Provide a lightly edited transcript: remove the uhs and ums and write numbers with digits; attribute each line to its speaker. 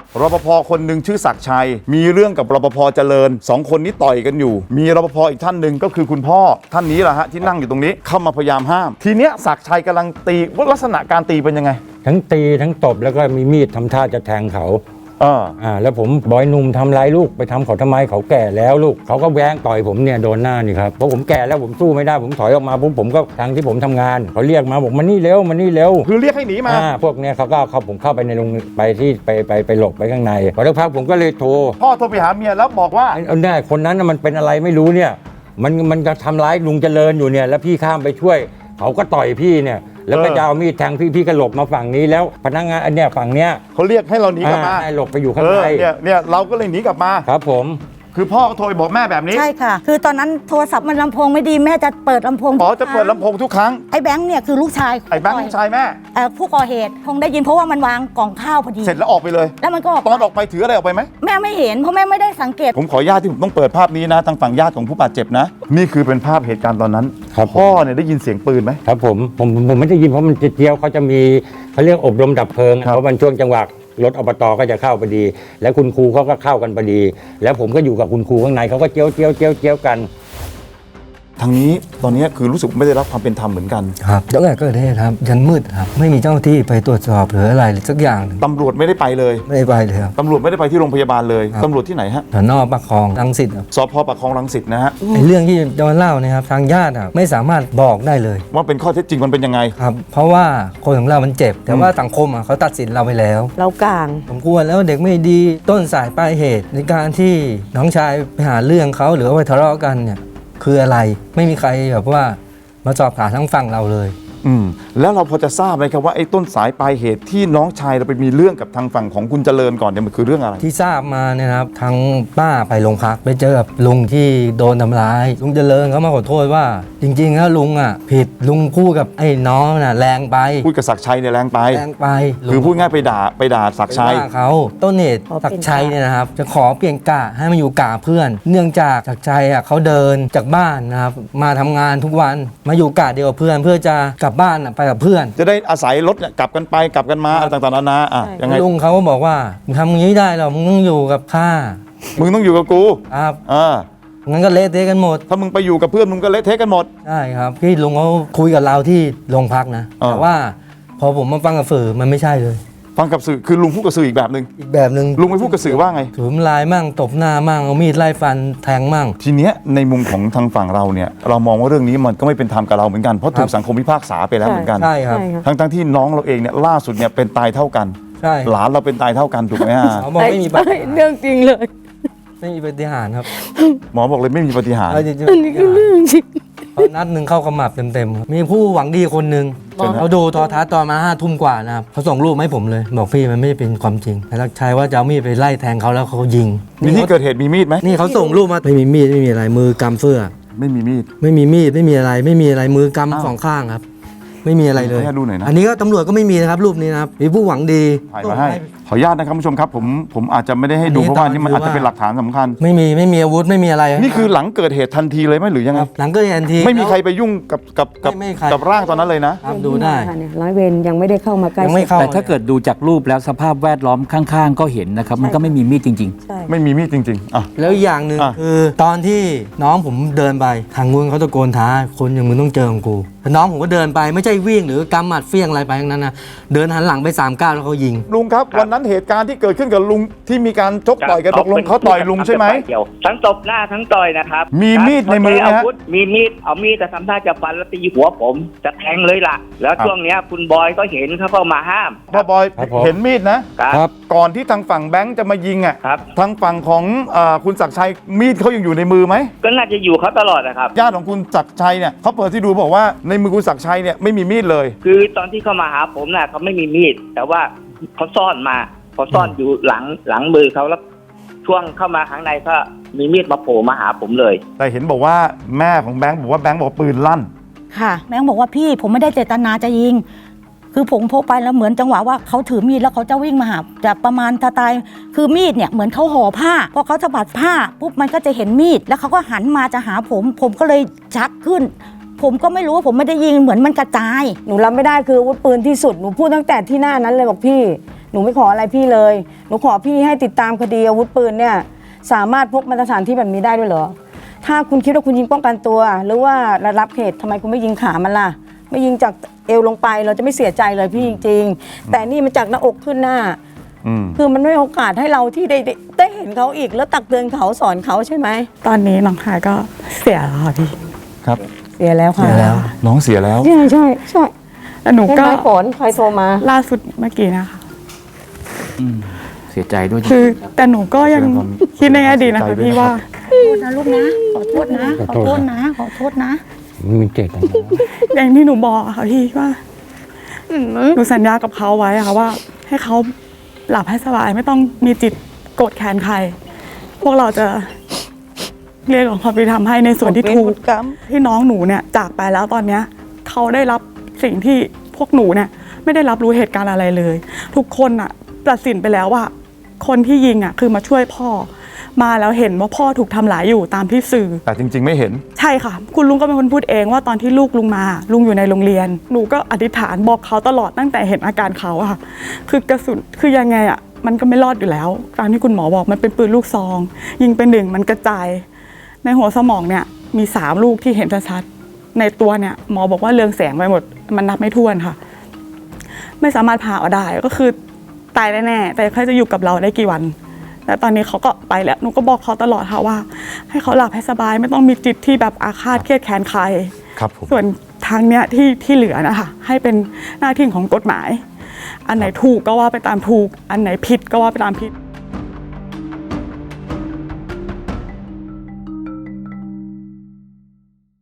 Speaker 1: รปภคนหนึ่งชื่อศักดิ์ชัยมีเรื่องกับรปภเจริญ2คนนี้ต่อยกันอยู่มีรปภอีกท่านหนึ่งก็คือคุณพ่อท่านนี้แหละฮะที่นั่งอยู่ตรงนี้เข้ามาพยายามห้ามทีเนี้ยศักดิ์ชัยกำลังตีว่าลักษณะการตีเป็นยังไง
Speaker 2: ทั้งตีทั้งตบแล้วก็มีมีดทำท่าจะแทงเขา
Speaker 1: แ
Speaker 2: ล้วผมบอยหนุ่มทำร้ายลูกไปทำเขาทำไมเขาแก่แล้วลูกเขาก็แว้งต่อยผมเนี่ยโดนหน้านี่ครับเพราะผมแก่แล้วผมสู้ไม่ได้ผมถอยออกมาปุ๊บผมก็ทางที่ผมทำงานเขาเรียกมาบอกมานี่เร็วมานี่เร็ว
Speaker 1: คือเรียกให้หนีมา
Speaker 2: พวกเนี้ยเขาก็เขาผมเข้าไปในโรงไปที่ไปหลบไปข้างในพอสักพักผมก็เลยโทร
Speaker 1: พ่อโทรไปหาเมียแล้วบอกว่า
Speaker 2: เนี่ยคนนั้นมันเป็นอะไรไม่รู้เนี่ยมันจะทำร้ายลุงเจริญอยู่เนี่ยแล้วพี่ข้ามไปช่วยเขาก็ต่อยพี่เนี่ยแล้วก็จะเอามีดแทงพี่ก็หลบมาฝั่งนี้แล้วพนักงานอันเนี้ยฝั่งเนี้ย
Speaker 1: เขาเรียกให้เราหนีกลับมา
Speaker 2: หลบไปอยู่ข้างใน
Speaker 1: เนี่ยเราก็เลยหนีกลับมา
Speaker 2: ครับผม
Speaker 1: คือพ่อก็โทรไปบอกแม่แบบนี้
Speaker 3: ใช่ค่ะคือตอนนั้นโทรศัพท์มันลำโพงไม่ดีแม่จะเปิดลำโพง
Speaker 1: จะเปิดลำโพงทุกครั้ง
Speaker 3: ไอ้แบงค์เนี่ยคือลูกชาย
Speaker 1: ไอ้แบงค์ลูกชายแม่
Speaker 3: ผู้ก่อเหตุคงได้ยินเพราะว่ามันวางกล่องข้าวพอดี
Speaker 1: เสร็จแล้วออกไปเลย
Speaker 3: แล้วมันก็
Speaker 1: ตอนออกไปถืออะไรออกไปไหม
Speaker 3: แม่ไม่เห็นเพราะแม่ไม่ได้สังเกต
Speaker 1: ผมขอญาตที่ผมต้องเปิดภาพนี้นะทางฝั่งญาติของผู้บาดเจ็บนะนี่คือเป็นภาพเหตุการณ์ตอนนั้นพ่อเนี่ยได้ยินเสียงปืนไหม
Speaker 2: ครับผมไม่ได้ยินเพราะมันเจียวเขาจะมีเขาเรียกอบรมดับเพลิงเพราะมันช่วงจังหวะรถอบต.ก็จะเข้าพอดีแล้วคุณครูเขาก็เข้ากันพอดีแล้วผมก็อยู่กับคุณครูข้างในเขาก็เจียวกัน
Speaker 1: ทางนี้ตอนนี้คือรู้สึกไม่ได้รับความเป็นธรรมเหมือนกัน
Speaker 4: ครับตั้งแต่เกิดเหตุครับยันมืดครับไม่มีเจ้าหน้าที่ไปตรวจสอบหรืออะไรสักอย่าง
Speaker 1: ตำรวจไม่ได้ไปเลย
Speaker 4: ไม่ได้ไปเลยครับ
Speaker 1: ตำรวจไม่ได้ไปที่โรงพยาบาลเลยตำรวจที่ไหนฮะ
Speaker 4: สน.ปากคลองรังสิต
Speaker 1: สพ.ปากคลองรังสิตนะฮะ
Speaker 4: เรื่องที่จะมาเล่าเนี่ยครับทางญาติไม่สามารถบอกได้เลย
Speaker 1: ว่าเป็นข้อเท็จจริงมันเป็นยังไง
Speaker 4: ครับเพราะว่าคนของเรามันเจ็บแต่ว่าสังคมเขาตัดสินเราไปแล้ว
Speaker 3: เรากลาง
Speaker 4: สมควรแล้วเด็กไม่ดีต้นสายปลายเหตุในการที่น้องชายไปหาเรื่องเขาหรือว่าไปทะเลาะกันเนี่ยคืออะไรไม่มีใครแบบว่ามาสอบถามทั้งฝั่งเราเลย
Speaker 1: แล้วเราพอจะทราบไหมครับว่าไอ้ต้นสายปลายเหตุที่น้องชายเราไปมีเรื่องกับทางฝั่งของคุณเจริญก่อนเนี่ยมันคือเรื่องอะไร
Speaker 4: ที่ทราบมาเนี่ยครับทางป้าไปโรงพักไปเจอกับลุงที่โดนทำร้ายลุงเจริญเขามาขอโทษว่าจริงๆแล้วลุงผิดลุงพูดกับไอ้น้องน่ะแรงไป
Speaker 1: พูดกับศักดิ์ชัยเนี่ยแรงไปคือพูดง่ายไปด่าศักดิ์ชัย
Speaker 4: เขาต้นเหตุศักดิ์ชัยเนี่ยนะครับจะขอเปลี่ยนกะให้มาอยู่กะเพื่อนเนื่องจากศักดิ์ชัยเขาเดินจากบ้านนะครับมาทำงานทุกวันมาอยู่กะเดียวกับเพื่อนเพื่อจะกลับบ้านไปกับเพื่อน
Speaker 1: จะได้อาศัยรถเนี่ยกลับกันไปกลับกันมาอะไรต่างๆนานา
Speaker 4: ยังไงลุงเขาก็บอกว่ามึงทำอย่างนี้ได้หรอมึงต้องอยู่กับข้า
Speaker 1: มึงต้องอยู่กับกู
Speaker 4: ครับงั้นก็เละเทะกันหมด
Speaker 1: ถ้ามึงไปอยู่กับเพื่อนมึงก็เละเทะกันหมด
Speaker 4: ใช่ครับพี่ลุงเขาคุยกับเราที่โรงพักนะแต่ว่าพอผมมาฟังกับสื่อมันไม่ใช่เลย
Speaker 1: ฟังกับสื่อคือลุงพูดกับสื่ออีกแบบนึงลุงไปพูดกับสื่อว่าไง
Speaker 4: ถือลายมั่งตบหน้ามั่งเอามีดไล่ฟันแทงมั่ง
Speaker 1: ทีเนี้ยในมุมของทางฝั่งเราเนี่ยเรามองว่าเรื่องนี้มันก็ไม่เป็นธรรมกับเราเหมือนกันเพราะถูกสังคมพิพากษาไปแล้วเหมือนกัน
Speaker 4: ใช่ครับ
Speaker 1: ทั้งที่น้องเราเองเนี่ยล่าสุดเนี่ยเป็นตายเท่ากัน
Speaker 4: ใช่
Speaker 1: หลานเราเป็นตายเท่ากันถูกไหมฮะ
Speaker 4: เขาบอกไม่มีปาฏิหาริย์
Speaker 3: เรื่องจริงเลย
Speaker 4: ไม่มีปาฏิหาริย์ครับ
Speaker 1: หมอบอกเลยไม่มีปาฏิหาริย์
Speaker 3: อันนี้คือเรื่องจริง
Speaker 4: นัดหนึ่งเข้าขมับเต็มๆมีผู้หวังดีคนหนึ่งเขาดูโทรทัศน์ตอนมา5 ทุ่มกว่านะครับเขาส่งรูปให้ผมเลยบอกพี่มันไม่เป็นความจริงแต่ลักชัยว่าจะเอามีดไปไล่แทงเขาแล้วเขายิง
Speaker 1: มีที่เกิดเหตุมีมีดไหม
Speaker 4: นี่เขาส่งรูปมาไม่มีมีดไม่มีอะไรมือกำเสื้อ
Speaker 1: ไม่มีมีด
Speaker 4: ไม่มีมีดไม่มีอะไรมือกำ2 ข้างครับไม่มีอะไรเลยอันนี้ก็ตำรวจก็ไม่มีนะครับรูปนี้นะครับมีผู้หวังดี
Speaker 1: ถ่ายมาให้ขออนุญาตนะครับผู้ชมครับผมอาจจะไม่ได้ให้ดูเพราะว่านี่มันอาจจะเป็นหลักฐานสำคัญ
Speaker 4: ไม่มีอาวุธไม่มีอะไร
Speaker 1: นี่คือหลังเกิดเหตุทันทีเลยไหมหรือยังไง
Speaker 4: หลังเกิดเหตุทันที
Speaker 1: ไม่มีใครไปยุ่งกับร่างตอนนั้นเลยนะ
Speaker 4: ดูได้
Speaker 3: ร้อยเวรยังไม่ได้เข้ามาใกล้
Speaker 5: แต่ถ้าเกิดดูจากรูปแล้วสภาพแวดล้อมข้างๆก็เห็นนะครับมันก็ไม่มีมีดจริง
Speaker 1: ๆไม่มีมีดจริงๆ
Speaker 4: แล้วอย่างหนึ่งคือตอนที่น้องผมเดินไปทางนู้นเขาตะโกนท้าคนอย่างมึงต้องเจอของกูน้องผมก็เดินไปไม่ใช่วิ่งหรือกำหมัดเฟี้ยงอะไรไปทั้งนั้นนะเดินหันหลังไป3 ก้าวแล้วเขายิง
Speaker 1: ลุงครับวันนั้นเหตุการณ์ที่เกิดขึ้นกับลุงที่มีการชกต่อยกันตกลงเขาต่อยลุงใช่ไหม
Speaker 6: ทั้งตบหน้าทั้งต่อยนะครับ
Speaker 1: มีมีดในมือนะฮะ
Speaker 6: มีมีดเอามีดแต่ทำท่าจะฟันแล้วตีหัวผมจะแทงเลยล่ะแล้วช่วงนี้คุณบอยก็เห็นเขาเข้ามาห้าม
Speaker 1: พ่อบอยเห็นมีดนะครับก่อนที่ทางฝั่งแบงค์จะมายิงทางฝั่งของคุณศักดิ์ชัยมีดเขายังอยู่ในมือไหม
Speaker 6: ก็น่าจะอยู่เขาตลอดนะครับ
Speaker 1: ญาติของคุณศักดิ์ชัยเนี่ยเขาเปิดที่ดูบอกว่าในมือคุณศักดิ์ชัยเนี่ยไม่มีมีดเลย
Speaker 6: คือตอนที่เขามาหาผมน่ะเขาไม่มีมีดแต่ว่าเขาซ่อนอยู่หลังมือเขาแล้วช่วงเข้ามาข้างในก็มีมีดมาโผล่มาหาผมเลย
Speaker 1: แต่เห็นบอกว่าแม่ของแบงค์บอกว่าแบงค์บอกปืนลั่น
Speaker 3: ค่ะแบงค์บอกว่าพี่ผมไม่ได้เจตนาจะยิงคือผมพกไปแล้วเหมือนจังหวะว่าเขาถือมีดแล้วเขาจะวิ่งมาหาจะประมาณสไตล์คือมีดเนี่ยเหมือนเขาห่อผ้าพอเขาสะบัดผ้าปุ๊บมันก็จะเห็นมีดแล้วเขาก็หันมาจะหาผมก็เลยชักขึ้นผมก็ไม่รู้ว่าผมไม่ได้ยิงเหมือนมันกระจาย
Speaker 7: หนูรับไม่ได้คืออาวุธปืนที่สุดหนูพูดตั้งแต่ที่หน้านั้นเลยบอกพี่หนูไม่ขออะไรพี่เลยหนูขอพี่ให้ติดตามคดีอาวุธปืนเนี่ยสามารถพกมาตรฐานที่แบบนี้ได้ด้วยเหรอถ้าคุณคิดว่าคุณยิงป้องกันตัว หรือว่าระงับเหตุทำไมคุณไม่ยิงขามันล่ะไม่ยิงจากเอวลงไปเราจะไม่เสียใจเลยพี่จริงๆแต่นี่มันจากหน้าอกขึ้นหน้าคือมันไม่มีโอกาสให้เราที่ได้เห็นเขาอีกแล้วตักเตือนเขาสอนเขาใช่ไหม
Speaker 8: ตอนนี้น้องชายก็เสียแล้วค่ะพี่
Speaker 1: ครับ
Speaker 7: เสียแล้วค่ะ
Speaker 4: เสียแล้ว
Speaker 1: น้องเสียแล้ว
Speaker 7: ใช่ใช่ใช่
Speaker 8: แล้วหนูก็
Speaker 7: ใช่ไหมฝนใครโทรมา
Speaker 8: ล่าสุดเมื่อกี้นะคะ
Speaker 5: เสียใจด้วยจริง
Speaker 8: คือแต่หนูก็ยังคิดในอดีตนะคะพี่ว่า
Speaker 3: ขอโทษนะลูกนะขอโทษนะขอโทษนะขอโทษนะ
Speaker 2: ไม่มีเจตนา
Speaker 8: อย่างที่หนูบอกอะค่ะพี่ว่าหนูสัญญากับเขาไว้อะค่ะว่า ให้เขาหลับให้สบายไม่ต้องมีจิตโกรธแค้นใคร พวกเราจะเรียกร้องความยุติธรรมให้ในส่วนที่ถูกที่น้องหนูเนี่ยจากไปแล้วตอนเนี้ยเขาได้รับสิ่งที่พวกหนูเนี่ยไม่ได้รับรู้เหตุการณ์อะไรเลย ทุกคนอะตัดสินไปแล้วว่าคนที่ยิงอะคือมาช่วยพ่อมาแล้วเห็นว่าพ่อถูกทำร้ายอยู่ตามที่สื่อ
Speaker 1: แต่จริง ๆ ไม่เห็น
Speaker 8: ใช่ค่ะ คุณลุงก็เป็นคนพูดเองว่าตอนที่ลูกลุงมาลุงอยู่ในโรงเรียนหนูก็อธิษฐานบอกเขาตลอดตั้งแต่เห็นอาการเขาอะค่ะคือกระสุนคือยังไงอะมันก็ไม่รอดอยู่แล้วตามที่คุณหมอบอกมันเป็นปืนลูกซองยิงไปหนึ่งมันกระจายในหัวสมองเนี่ยมี3ลูกที่เห็นชัดๆในตัวเนี่ยหมอบอกว่าเรืองแสงไปหมดมันนับไม่ถ้วนค่ะ ไม่สามารถผ่าเอาได้ก็คือตายแน่ๆแต่เขาจะอยู่กับเราได้กี่วันแต่ตอนนี้เขาก็ไปแล้วหนูก็บอกเขาตลอดค่ะว่า ให้เขาหลับให้สบายไม่ต้องมีจิตที่แบบอาฆาตเครียดแค้นใคร
Speaker 1: ครับผม
Speaker 8: ส่วนทางเนี้ยที่เหลือนะคะให้เป็นหน้าที่ของกฎหมาย อันไหนถูกก็ว่าไปตามถูก อันไหนผิดก็ว่าไปตามผิด